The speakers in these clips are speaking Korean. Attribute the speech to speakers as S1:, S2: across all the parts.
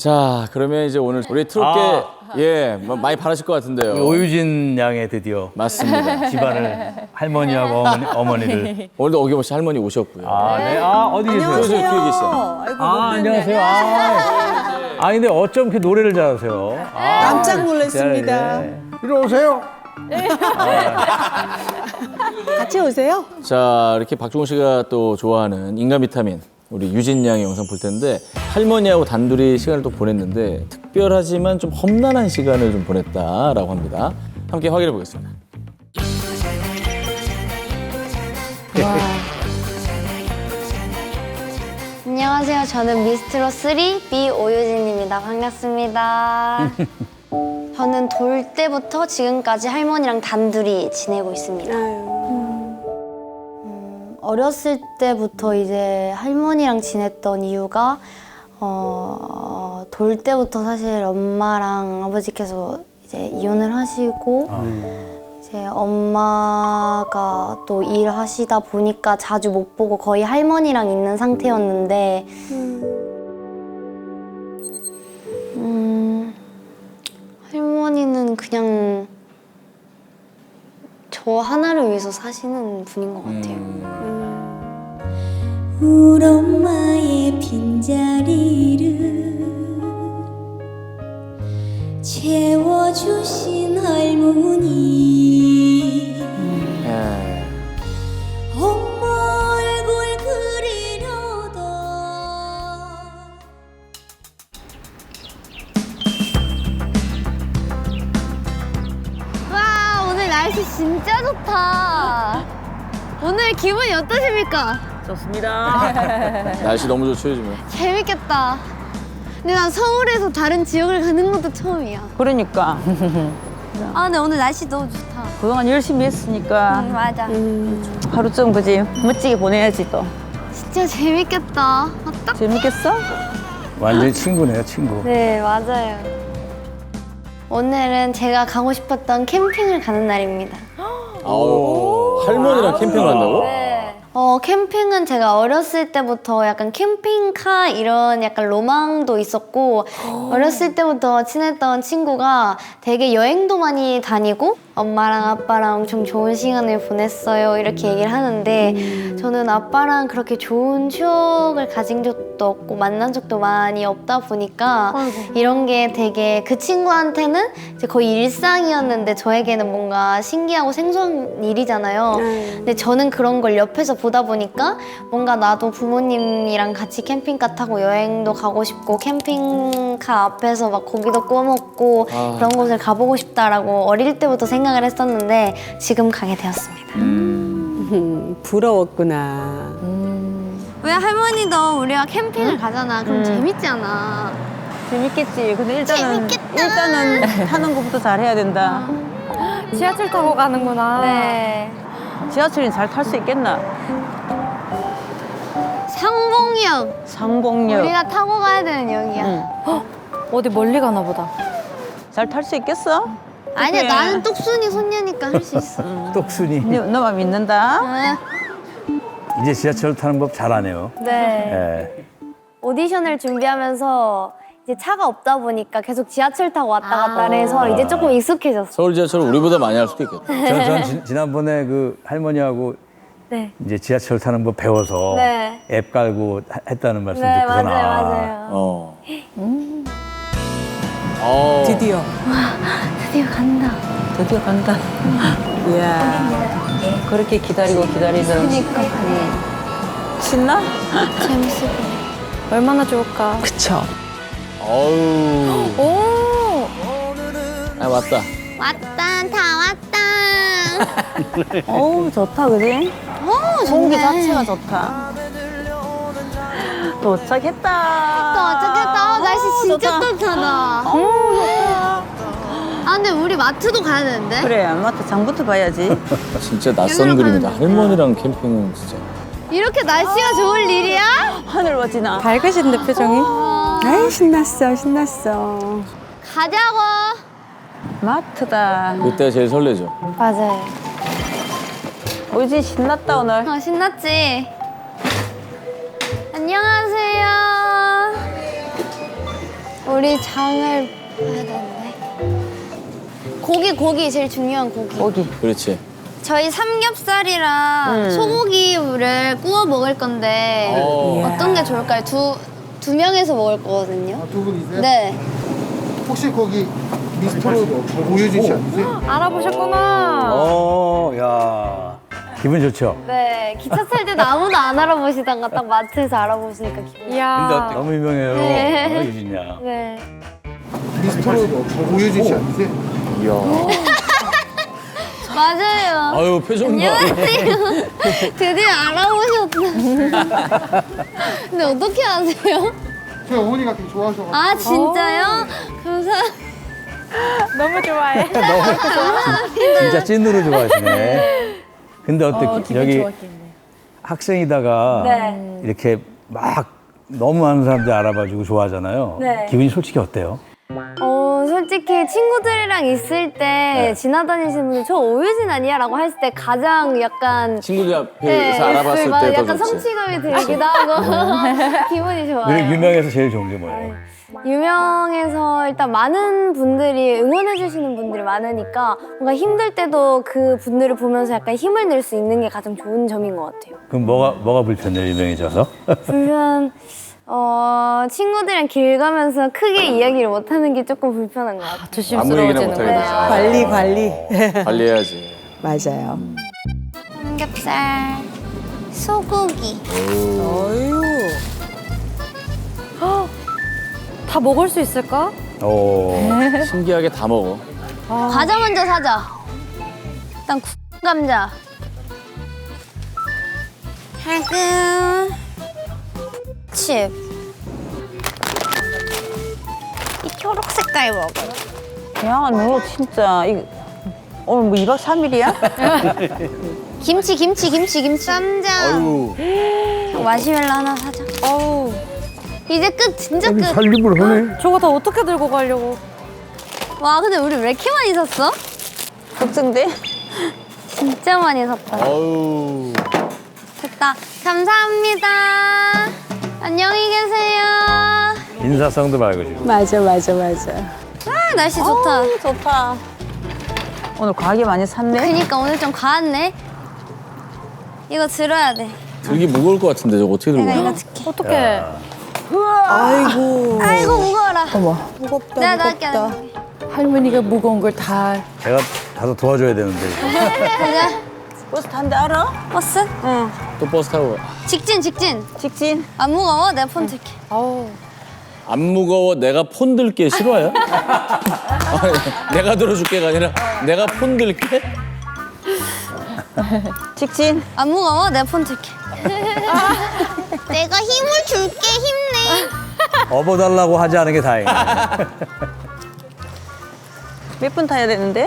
S1: 자, 그러면 이제 오늘 우리 트롯계 예, 많이 바라실 것 같은데요.
S2: 오유진 양의 드디어
S1: 맞습니다.
S2: 집안을 할머니하고 어머니를.
S1: 오늘도 어김없이 할머니 오셨고요.
S2: 네. 어디 계세요?
S1: 저 뒤에 계시죠.
S3: 아이고,
S2: 안녕하세요. 근데 어쩜 이렇게 노래를 잘하세요?
S3: 깜짝 놀랐습니다.
S2: 이리 오세요.
S3: 같이 오세요.
S1: 자, 이렇게 박종훈 씨가 또 좋아하는 인간 비타민 우리 유진 양의 영상 볼 텐데 할머니하고 단둘이 시간을 또 보냈는데 특별하지만 좀 험난한 시간을 좀 보냈다라고 합니다. 함께 확인해 보겠습니다.
S4: 안녕하세요. 저는 미스트롯 3 B 오유진입니다. 반갑습니다. 저는 돌 때부터 지금까지 할머니랑 단둘이 지내고 있습니다. 어렸을 때부터 이제 할머니랑 지냈던 이유가 돌 때부터 사실 엄마랑 아버지께서 이제 이혼을 하시고 이제 엄마가 또 일하시다 보니까 자주 못 보고 거의 할머니랑 있는 상태였는데 할머니는 그냥 저 하나를 위해서 사시는 분인 것 같아요.
S5: 우리 엄마의 빈자리를 채워주신 할머니 엄마 얼굴 그리려다
S4: 와, 오늘 날씨 진짜 좋다. 오늘 기분이 어떠십니까?
S2: 좋습니다.
S1: 날씨 너무 좋죠, 요즘에.
S4: 재밌겠다. 근데 난 서울에서 다른 지역을 가는 것도 처음이야.
S6: 그러니까
S4: 아, 근데 오늘 날씨 너무 좋다.
S6: 그동안 열심히 했으니까
S4: 맞아.
S6: 하루쯤 그지 멋지게 보내야지 또.
S4: 진짜 재밌겠다. 아, 딱.
S6: 재밌겠어?
S2: 완전히 친구네요, 친구.
S4: 네, 맞아요. 오늘은 제가 가고 싶었던 캠핑을 가는 날입니다.
S1: 아우, 할머니랑 캠핑 간다고?
S4: 네. 캠핑은 제가 어렸을 때부터 약간 캠핑카 이런 약간 로망도 있었고 어렸을 때부터 친했던 친구가 되게 여행도 많이 다니고 엄마랑 아빠랑 엄청 좋은 시간을 보냈어요 이렇게 얘기를 하는데 저는 아빠랑 그렇게 좋은 추억을 가진 적도 없고 만난 적도 많이 없다 보니까 이런 게 되게 그 친구한테는 이제 거의 일상이었는데 저에게는 뭔가 신기하고 생소한 일이잖아요. 근데 저는 그런 걸 옆에서 보다 보니까 뭔가 나도 부모님이랑 같이 캠핑카 타고 여행도 가고 싶고 캠핑카 앞에서 막 고기도 구워 먹고 그런 곳을 가보고 싶다라고 어릴 때부터 생각을 했었는데 지금 가게 되었습니다.
S3: 부러웠구나.
S4: 왜 할머니도 우리가 캠핑을 가잖아. 그럼 재밌잖아.
S6: 재밌겠지. 근데 일단은
S4: 재밌겠다.
S6: 타는 것부터 잘 해야 된다.
S4: 지하철 타고 가는구나. 네.
S6: 지하철이 잘 탈 수 있겠나?
S4: 상봉역.
S6: 상봉역.
S4: 우리가 타고 가야 되는 역이야.
S7: 어디 멀리 가나 보다.
S6: 잘 탈 수 있겠어?
S4: 아니야,
S6: 그래.
S4: 나는 똑순이 손녀니까 할 수 있어.
S2: 똑순이.
S6: 너만 믿는다.
S2: 이제 지하철 타는 법 잘하네요.
S4: 네.
S2: 예.
S4: 오디션을 준비하면서 이제 차가 없다 보니까 계속 지하철 타고 왔다 갔다 해서 이제 조금 익숙해졌어.
S1: 서울 지하철 우리보다 많이 할 수도 있겠다.
S2: 전 지난번에 그 할머니하고
S4: 네.
S2: 이제 지하철 타는 법 배워서
S4: 네.
S2: 앱 깔고 했다는 말씀
S4: 네,
S2: 듣고서
S4: 맞아요.
S3: 드디어.
S4: 드디어 간다.
S6: 드디어 간다. 이야. 그렇게 기다리고 기다리던.
S4: 그러니까.
S6: 신나?
S4: 재밌을 것
S7: 얼마나 좋을까.
S6: 그쵸.
S1: 어우.
S7: 오!
S1: 아, 맞다.
S4: 왔다, 다 왔다.
S6: 어우, 좋다, 그지?
S4: 오,
S6: 공기
S4: 좋네.
S6: 자체가 좋다. 도착했다.
S4: 또 어쩌겠다. 날씨 진짜 따뜻하다. 아, 근데 우리 마트도 가야 되는데?
S6: 그래, 마트 장부터 봐야지.
S1: 진짜 낯선 그림이다. 할머니랑 캠핑은 진짜.
S4: 이렇게 날씨가 좋을 일이야?
S6: 하늘 멋지나.
S7: 밝으신데 표정이?
S3: 아이, 신났어, 신났어.
S4: 가자고.
S6: 마트다.
S1: 그때가 제일 설레죠.
S4: 맞아요.
S6: 오지 신났다 오늘.
S4: 신났지? 안녕하세요. 우리 장을 봐야 되는데. 고기 제일 중요한 고기.
S6: 고기.
S1: 그렇지.
S4: 저희 삼겹살이랑 소고기를 구워 먹을 건데 어떤 게 좋을까요? 두 명에서 먹을 거거든요.
S8: 두 분이세요?
S4: 네.
S8: 혹시 거기 미스터로 오유진 씨 아니세요?
S7: 알아보셨구나.
S2: 야. 기분 좋죠?
S4: 네. 기차 탈 때도 아무도 안 알아보시다가 딱 마트에서 알아보시니까 기분이.
S7: 이야.
S2: 너무 유명해요.
S4: 네.
S2: 유진 양.
S4: 네.
S8: 미스터로 오유진 씨 아니세요?
S4: 맞아요.
S1: 아유 표정 봐.
S4: 안녕하세요. 드디어 알아보셨다. 근데 어떻게 아세요?
S8: 저희 어머니가 되게 좋아하셔가지고.
S4: 아 진짜요? 감사합니다.
S7: 너무 좋아해.
S2: 진짜 찐으로 좋아하시네. 근데 어때? 여기 학생이다가
S4: 네.
S2: 이렇게 막 너무 많은 사람들이 알아봐주고 좋아하잖아요.
S4: 네.
S2: 기분이 솔직히 어때요?
S4: 솔직히 친구들이랑 있을 때 지나다니시는 분들 저 오유진 아니야? 라고 했을 때 가장 약간
S1: 친구들 앞에서 알아봤을
S4: 막
S1: 때 더
S4: 약간
S1: 좋지.
S4: 성취감이 들기도 하고 기분이 좋아요.
S2: 그래 유명해서 제일 좋은 게 뭐예요?
S4: 유명해서 일단 많은 분들이 응원해 주시는 분들이 많으니까 뭔가 힘들 때도 그 분들을 보면서 약간 힘을 낼 수 있는 게 가장 좋은 점인 것 같아요.
S2: 그럼 뭐가 불편해요 유명해져서?
S4: 불편 친구들이랑 길 가면서 크게 이야기를 못 하는 게 조금 불편한 것 같아요.
S1: 아무 얘기나
S7: 조심스러워지는
S1: 못하게
S7: 거야.
S1: 되지.
S3: 관리.
S1: 관리해야지.
S3: 맞아요.
S4: 삼겹살, 소고기.
S3: 어유.
S7: 다 먹을 수 있을까?
S2: 오.
S1: 신기하게 다 먹어.
S4: 과자 먼저 사자. 일단 감자. 하고 칩. 이 초록 색깔 먹어.
S6: 야, 너 진짜 오늘 뭐 2박 3일이야?
S4: 김치. 쌈장.
S1: 아유.
S4: 마시멜로 하나 사자.
S7: 어우.
S4: 이제 끝, 진짜 끝.
S8: 살림을 하네.
S7: 저거 다 어떻게 들고 가려고.
S4: 와, 근데 우리 왜 이렇게 많이 샀어?
S6: 걱정돼?
S4: 진짜 많이 샀다.
S1: 아유.
S4: 됐다. 감사합니다. 안녕히 계세요.
S2: 인사성도 말고 지금.
S3: 맞아.
S4: 아, 날씨 좋다.
S6: 좋다. 오늘 과하게 많이 샀네.
S4: 그니까 오늘 좀 과했네. 이거 들어야 돼.
S1: 들기 무거울 것 같은데 저거 어떻게 들고
S4: 내가
S1: 가?
S4: 이거 들게.
S7: 어떡해.
S3: 아이고.
S4: 아이고, 무거워라.
S3: 무겁다.
S4: 내가 나갈게.
S3: 할머니가 무거운 걸 다.
S2: 제가 가서 도와줘야 되는데.
S4: 가자.
S6: 버스 탄데 알아?
S4: 버스?
S6: 응.
S1: 또 버스 타고.
S4: 직진.
S6: 직진.
S4: 안 무거워? 내가 폰 들게.
S7: 어우.
S1: 안 무거워 내가 폰 들게 싫어요? 아니, 내가 들어줄게가 아니라 내가 폰 들게?
S6: 직진.
S4: 안 무거워? 내가 폰 들게. 내가 힘을 줄게, 힘내.
S2: 업어달라고 하지 않은 게 다행이네.
S6: 몇 분 타야 되는데?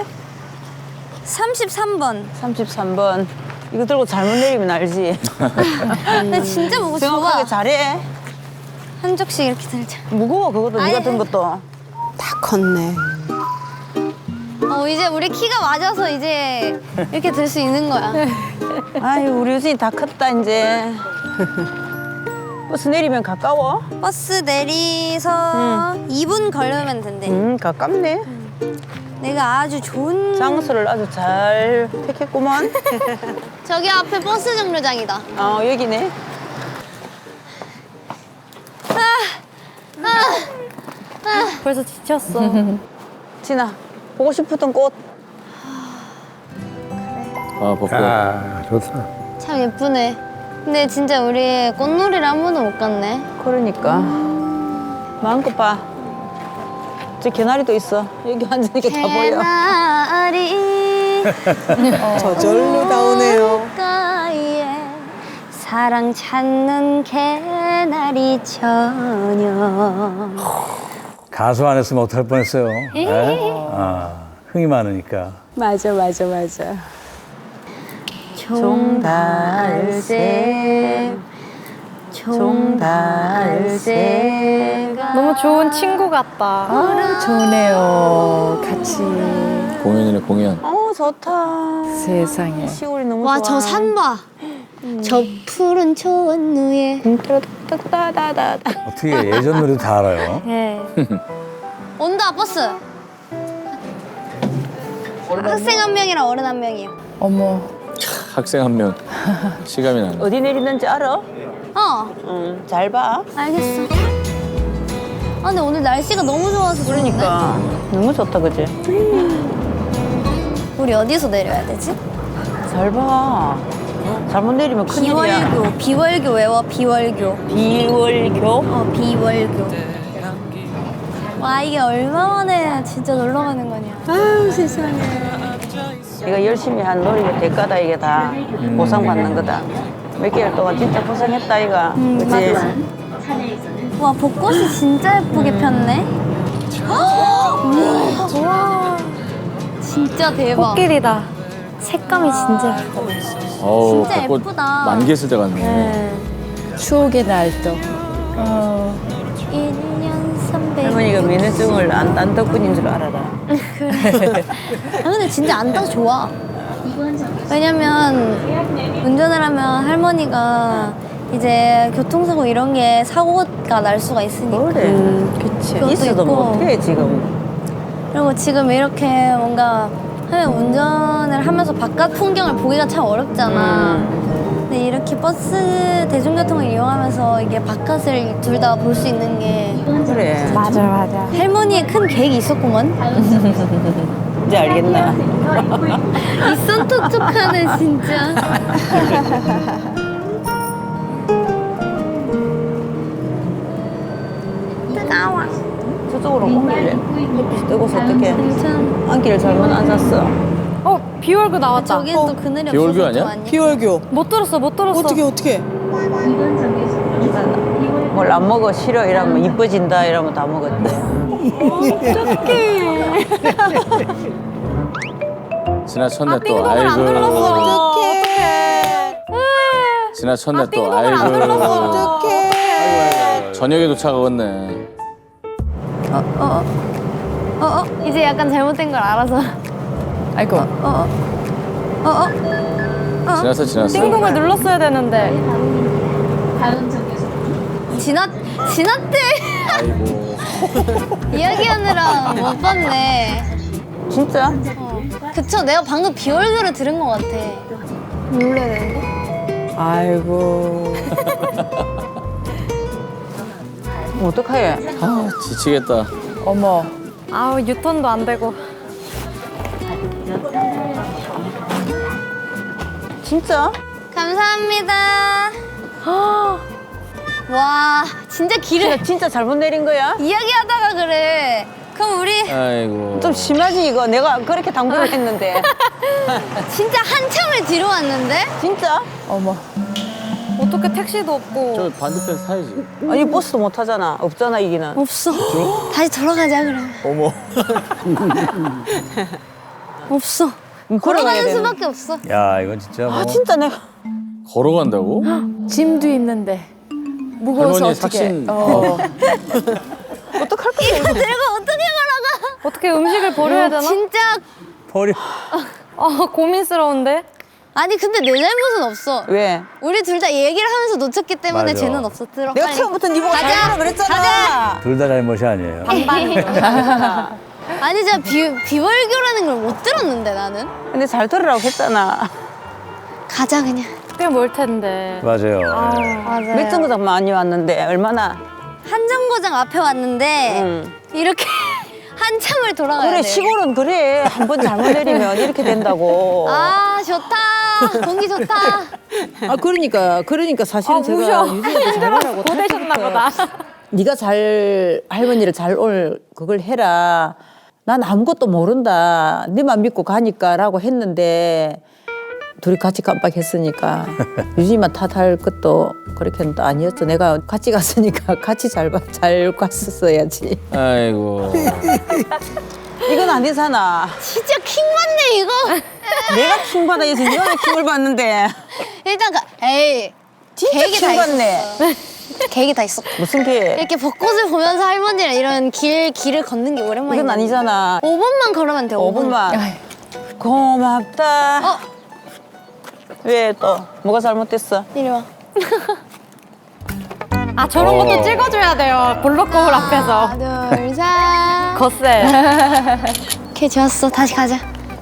S4: 33번.
S6: 33번. 이거 들고 잘못 내리면 알지?
S4: 근데 진짜 무거워.
S6: 정확하게
S4: 좋아.
S6: 잘해.
S4: 한 쪽씩 이렇게 들자.
S6: 무거워 그것도
S4: 아니,
S6: 네가 든 것도.
S3: 다 컸네.
S4: 이제 우리 키가 맞아서 이제 이렇게 들 수 있는 거야.
S6: 아유 우리 유진이 다 컸다 이제. 버스 내리면 가까워?
S4: 버스 내리서 2분 걸으면 된대.
S6: 가깝네.
S4: 내가 아주 좋은
S6: 장소를 아주 잘 택했구만.
S4: 저기 앞에 버스 정류장이다.
S6: 여기네.
S7: 벌써 지쳤어.
S6: 진아 보고 싶었던 꽃.
S1: 아 벚꽃.
S8: 아, 좋다.
S4: 참 예쁘네. 근데 진짜 우리 꽃놀이를 한 번도 못 갔네.
S6: 그러니까 마음껏 봐. 저 개나리도 있어. 여기 앉으니까 다 보여.
S4: 개나리
S3: 저절로 나오네요.
S4: 가에 사랑 찾는 개나리 처녀.
S2: 가수 안 했으면 어떡할 뻔했어요. 네? 흥이 많으니까.
S3: 맞아.
S4: 종달새
S7: 너무 좋은 친구 같다.
S3: 좋네요. 같이.
S1: 공연이네 공연.
S6: 좋다.
S3: 세상에.
S6: 시골이 너무
S4: 와,
S6: 좋아.
S4: 저 산 봐. 저 푸른 초원 위에.
S6: 따다다다.
S2: 어떻게 예전 노래도 다 알아요?
S4: 네. 온다 버스. 학생 한 명이랑 어른 한 명이요.
S3: 어머.
S1: 학생 한 명. 시감이 나네.
S6: 어디 내리는지 알아?
S4: 어,
S6: 잘 봐.
S4: 알겠어. 아 근데 오늘 날씨가 너무 좋아서 좋은데?
S6: 그러니까 너무 좋다, 그지?
S4: 우리 어디서 내려야 되지?
S6: 잘 봐. 잘못 내리면 큰일이야.
S4: 비월교. 비월교 외워. 비월교.
S6: 비월교?
S4: 어, 비월교. 와 이게 얼마 만에 진짜 놀러 가는 거냐. 아유 세상에.
S6: 이거 열심히 한 노력의 대가다, 이게 다. 보상받는 거다. 몇 개월 동안 진짜 고생했다, 이거. 그지?
S4: 맞아. 와 벚꽃이 진짜 예쁘게 폈네. 우와. 진짜 대박.
S7: 꽃길이다.
S4: 색감이 진짜 예뻐.
S1: 어우,
S4: 진짜
S1: 벚꽃
S4: 예쁘다.
S1: 만개 있을 때 같네.
S4: 네.
S3: 추억의 날도.
S4: 1년 300.
S6: 할머니가 면허증을 안 덕분인 줄 알아라.
S4: 아 근데 진짜 안 타서 좋아. 왜냐면 운전을 하면 할머니가 이제 교통사고 이런 게 사고가 날 수가 있으니까.
S6: 그래.
S3: 그치.
S4: 그것도
S6: 있어도
S4: 있고.
S6: 못해, 지금.
S4: 그리고 지금 이렇게 뭔가 하면 운전을 하면서 바깥 풍경을 보기가 참 어렵잖아. 근데 이렇게 버스 대중교통을 이용하면서 이게 바깥을 둘 다 볼 수 있는 게
S6: 그래.
S7: 맞아, 맞아.
S4: 할머니의 큰 계획이 있었구먼.
S6: 이제 알겠나?
S4: 이선 톡톡하네 진짜. 뜨거워.
S6: 저쪽으로 옮길래. 햇빛이 뜨거워서 어떡해.
S4: 괜찮아.
S6: 안기를 잘못 앉았어.
S7: 비월교 나왔다.
S4: 저기는 또 그늘이
S1: 비월교
S4: 없어서
S1: 아니야?
S4: 좀 아니야?
S3: 비월교.
S7: 못 들었어, 못 들었어.
S3: 어떻게?
S6: 뭘 안 먹어, 싫어, 이러면 이뻐진다, 이러면 다 먹었대.
S1: 지나쳤네 또.
S7: 띵동을 안 눌렀어.
S1: 지나쳤네 또.
S7: 띵동을 안 눌렀어.
S1: 아이고. 저녁에 도착하겠네.
S4: 이제 약간 잘못된 걸 알아서.
S3: 아이고.
S1: 지났어.
S7: 띵동을 눌렀어야 되는데.
S4: 지났대.
S1: 아이고.
S4: 이야기하느라 못 봤네.
S6: 진짜?
S4: 그쵸, 내가 방금 비월교를 들은 것 같아. 눌러야 되는데?
S3: 아이고.
S6: 어떡해?
S1: 아, 지치겠다.
S3: 어머.
S7: 아우, 유턴도 안 되고.
S6: 진짜?
S4: 감사합니다. 와, 진짜 길을
S6: 진짜 잘못 내린 거야?
S4: 이야기하다가 그래. 그럼 우리
S1: 아이고.
S6: 좀 심하지, 이거. 내가 그렇게 당부를 했는데.
S4: 진짜 한참을 뒤로 왔는데?
S6: 진짜?
S3: 어머.
S7: 어떻게 택시도 없고.
S1: 저 반대편 사야지.
S6: 아니, 버스도 못 타잖아. 없잖아, 이기는.
S4: 없어. 다시 돌아가자, 그럼.
S1: 어머.
S4: 없어.
S6: 걸어가야
S4: 걸어가는
S6: 되는.
S4: 수밖에 없어.
S2: 야, 이건 진짜 뭐.
S6: 아, 진짜 내가.
S1: 걸어간다고?
S3: 짐도 있는데. 무거워서
S1: 할머니
S3: 어떻게?
S1: 삭신.
S6: 어떡할 거야?
S4: 이거 들고 어떻게 걸어가?
S7: 어떻게 음식을 버려야 되나?
S4: 진짜.
S2: 버려.
S7: 고민스러운데?
S4: 아니, 근데 내 잘못은 없어.
S6: 왜?
S4: 우리 둘 다 얘기를 하면서 놓쳤기 때문에
S2: 맞아.
S4: 쟤는 없어. 들어.
S6: 내가
S4: 빨리.
S6: 처음부터 니 보고
S4: 가자.
S6: 잘하라 그랬잖아.
S2: 둘 다 잘못이 아니에요.
S4: 아니, 제가 비월교라는 걸 못 들었는데, 나는.
S6: 근데 잘 들으라고 했잖아.
S4: 가자, 그냥.
S7: 꽤 멀 텐데.
S2: 맞아요. 예.
S4: 맞아요.
S6: 몇 정거장 많이 왔는데, 얼마나?
S4: 한정거장 앞에 왔는데,
S6: 응.
S4: 이렇게 한참을 돌아가야
S6: 그래,
S4: 돼.
S6: 시골은 그래. 한 번 잘못 내리면 이렇게 된다고.
S4: 아, 좋다. 공기 좋다.
S6: 아, 그러니까 사실은 제가 유진이한테 잘하라고.
S7: 고되셨나 보다.
S6: 네가 잘 할머니를 잘 올 그걸 해라. 난 아무것도 모른다. 네만 믿고 가니까라고 했는데 둘이 같이 깜빡했으니까 유진이만 탓할 것도 그렇게는 또 아니었죠. 내가 같이 갔으니까 같이 잘 갔었어야지.
S1: 아이고.
S6: 이건 아니잖아.
S4: 진짜 킹 받네, 이거.
S6: 내가 킹 받아 해서 네가 왜 킹을 받는데.
S4: 일단 에이.
S6: 진짜
S4: 계획이 다
S6: 킹 받네.
S4: 계획이 다 있어.
S6: 무슨 게?
S4: 이렇게 벚꽃을 보면서 할머니랑 이런 길을 걷는 게 오랜만이야.
S6: 이건 아니잖아.
S4: 5분만 걸으면 돼, 5분.
S6: 5분만. 고맙다. 왜 또? 뭐가 잘못됐어?
S4: 이리 와.
S7: 저런 것도 찍어줘야 돼요. 볼록 거울 앞에서.
S4: 하나, 둘, 셋.
S7: 거세.
S4: 오케이, 좋았어. 다시 가자.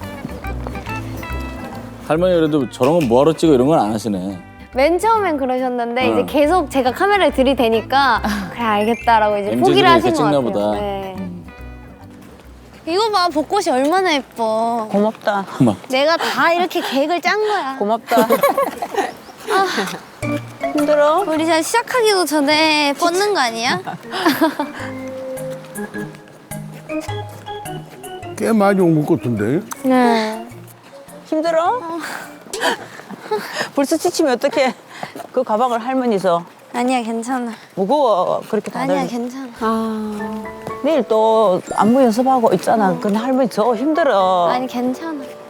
S1: 할머니 그래도 저런 건 뭐하러 찍어 이런 건 안 하시네.
S4: 맨 처음엔 그러셨는데
S1: 어.
S4: 이제 계속 제가 카메라를 들이대니까 그래 알겠다라고 이제
S1: MZ들은
S4: 포기를 하신
S1: 이렇게
S4: 것
S1: 찍나
S4: 같아요.
S1: 보다.
S4: 네. 이거 봐, 벚꽃이 얼마나 예뻐.
S6: 고맙다.
S1: 막
S4: 내가 다 이렇게 계획을 짠 거야.
S6: 고맙다. 힘들어?
S4: 우리 잘 시작하기도 전에 뻗는 거 아니야?
S8: 꽤 많이 온 것 같은데.
S4: 네.
S6: 힘들어? 벌써 지치면 어떡해. 그 가방을 할머니서.
S4: 아니야, 괜찮아.
S6: 무거워. 그렇게 다들.
S4: 아니야, 괜찮아.
S6: 내일 또 안무 연습하고 있잖아. 근데 할머니 저 힘들어.
S4: 아니, 괜찮아.